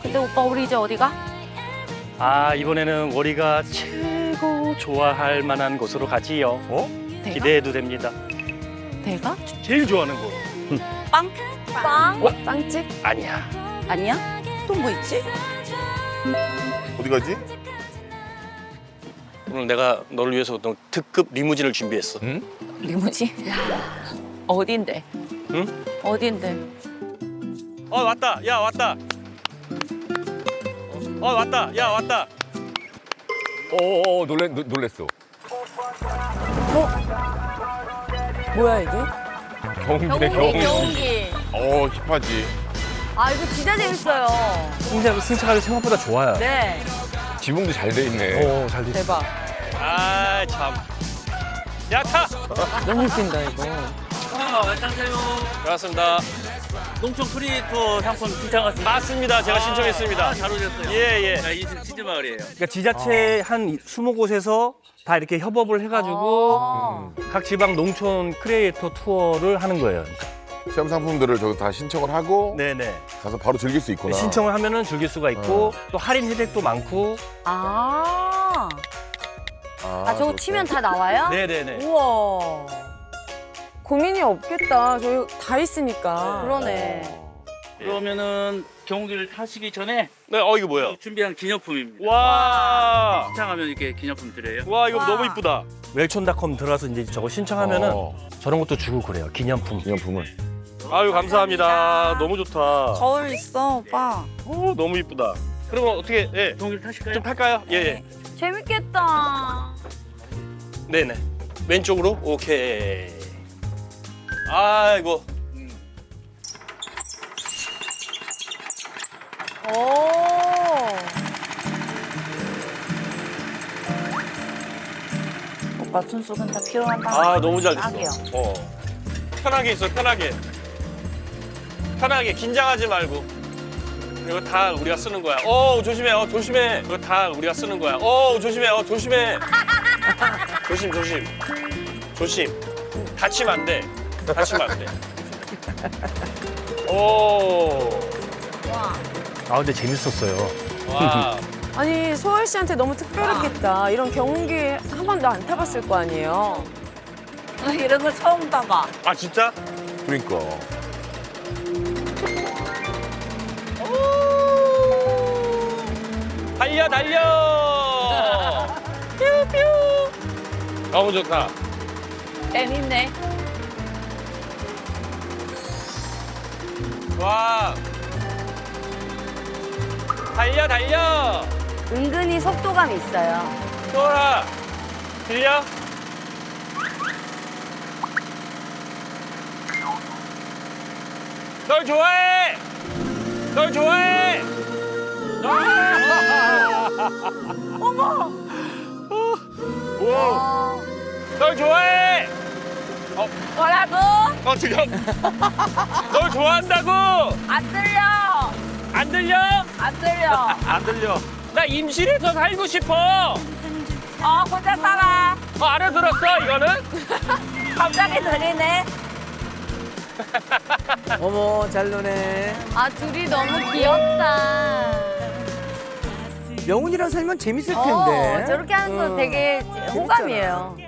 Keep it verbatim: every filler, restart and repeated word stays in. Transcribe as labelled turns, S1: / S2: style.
S1: 근데 오빠 우리 이제 어디 가?
S2: 아, 이번에는 우리가 최고 좋아할 만한 곳으로 가지요.
S3: 어?
S1: 내가?
S2: 기대해도 됩니다.
S1: 내가?
S2: 제일 좋아하는 곳.
S1: 빵? 빵?
S2: 어?
S1: 빵집?
S2: 아니야.
S1: 아니야? 또 뭐 있지?
S3: 어디 가지?
S2: 오늘 내가 너를 위해서 어떤 특급 리무진을 준비했어.
S3: 응?
S1: 리무진? 어딘데?
S2: 응?
S1: 어딘데?
S2: 어, 왔다. 야, 왔다. 어, 왔다. 야, 왔다.
S3: 어어 놀래 놀- 놀랬어.
S4: 뭐야 이게?
S3: 경운기네 경운기.
S1: 경운기.
S3: 어 힙하지.
S4: 아 이거 진짜 재밌어요.
S5: 승차, 승차가 생각보다 좋아요.
S4: 네.
S3: 지붕도 잘 돼 있네.
S5: 오, 잘 돼.
S4: 대박.
S2: 아, 참. 야, 타.
S4: 너무 웃긴다 이거.
S6: 아, 안녕하세요.
S2: 반갑습니다.
S6: 농촌 크리에이터 상품 신청했습니다.
S2: 맞습니다. 제가
S6: 아,
S2: 신청했습니다.
S6: 아, 잘 오셨어요.
S2: 예, 예.
S6: 자, 이 치즈 마을이에요.
S5: 그러니까 지자체 한 스무 곳에서 다 이렇게 협업을 해가지고
S4: 아.
S5: 각 지방 농촌 크리에이터 투어를 하는 거예요.
S3: 시험 상품들을 저기 다 신청을 하고
S5: 네네.
S3: 가서 바로 즐길 수 있구나.
S5: 신청을 하면은 즐길 수가 있고 또 할인 혜택도 많고.
S4: 아.
S3: 아,
S4: 아 저거
S3: 저렇게.
S4: 치면 다 나와요?
S5: 네네네.
S4: 우와. 고민이 없겠다. 저희 다 있으니까.
S1: 그러네.
S6: 그러면은 경운기를 타시기 전에
S2: 네, 어, 이거 뭐야?
S6: 준비한 기념품입니다.
S2: 와.
S6: 신청하면 이렇게 기념품 드려요.
S2: 와, 이거
S4: 와.
S2: 너무 이쁘다.
S5: 웰촌닷컴 들어와서 이제 저거 신청하면은
S3: 어,
S5: 저런 것도 주고 그래요. 기념품.
S3: 기념품을.
S2: 아유, 감사합니다. 너무 좋다.
S1: 거울 있어, 오빠.
S2: 오, 너무 이쁘다. 그러면 어떻게, 예.
S6: 경운기를 타실까요?
S2: 좀 탈까요? 예, 예.
S4: 재밌겠다.
S2: 네네. 왼쪽으로? 오케이. 아이고.
S4: 오.
S1: 오빠 순수근 다 필요한 방.
S2: 아, 너무 잘 됐어.
S1: 딱이요.
S2: 어. 편하게 있어, 편하게. 편하게, 긴장하지 말고. 이거 다 우리가 쓰는 거야. 어, 조심해, 어, 조심해. 이거 다 우리가 쓰는 거야. 어, 조심해, 어, 조심해. 조심, 조심. 조심. 다치면 안 돼. 다치면 안 돼. 오.
S5: 아 근데 재밌었어요.
S2: 와.
S4: 아니 소월 씨한테 너무 특별했겠다. 이런 경운기 한 번도 안 타봤을 거 아니에요.
S1: 이런 거 처음 봐봐.
S2: 아, 진짜?
S3: 그러니까.
S2: 달려, 달려! 뾰뾰! 너무 좋다.
S1: 재밌네.
S2: 와. 달려, 달려!
S4: 은근히 속도감이 있어요.
S2: 소라, 들려? 널 좋아해! 널 좋아해!
S3: 우와.
S2: 널 좋아해!
S1: 뭐라고?
S2: 어, 지금. 널 좋아한다고!
S1: 안 들려.
S2: 안 들려?
S1: 안 들려.
S2: 안 들려. 나 임실에서 살고 싶어!
S1: 어, 혼자 살아.
S2: 어, 알아들었어, 이거는?
S1: 갑자기 들리네.
S4: 어머 잘 노네.
S7: 아 둘이 너무 귀엽다.
S4: 명훈이랑 살면 재밌을 텐데.
S7: 어, 저렇게 하는 거
S4: 어.
S7: 되게
S4: 재밌잖아.
S7: 호감이에요.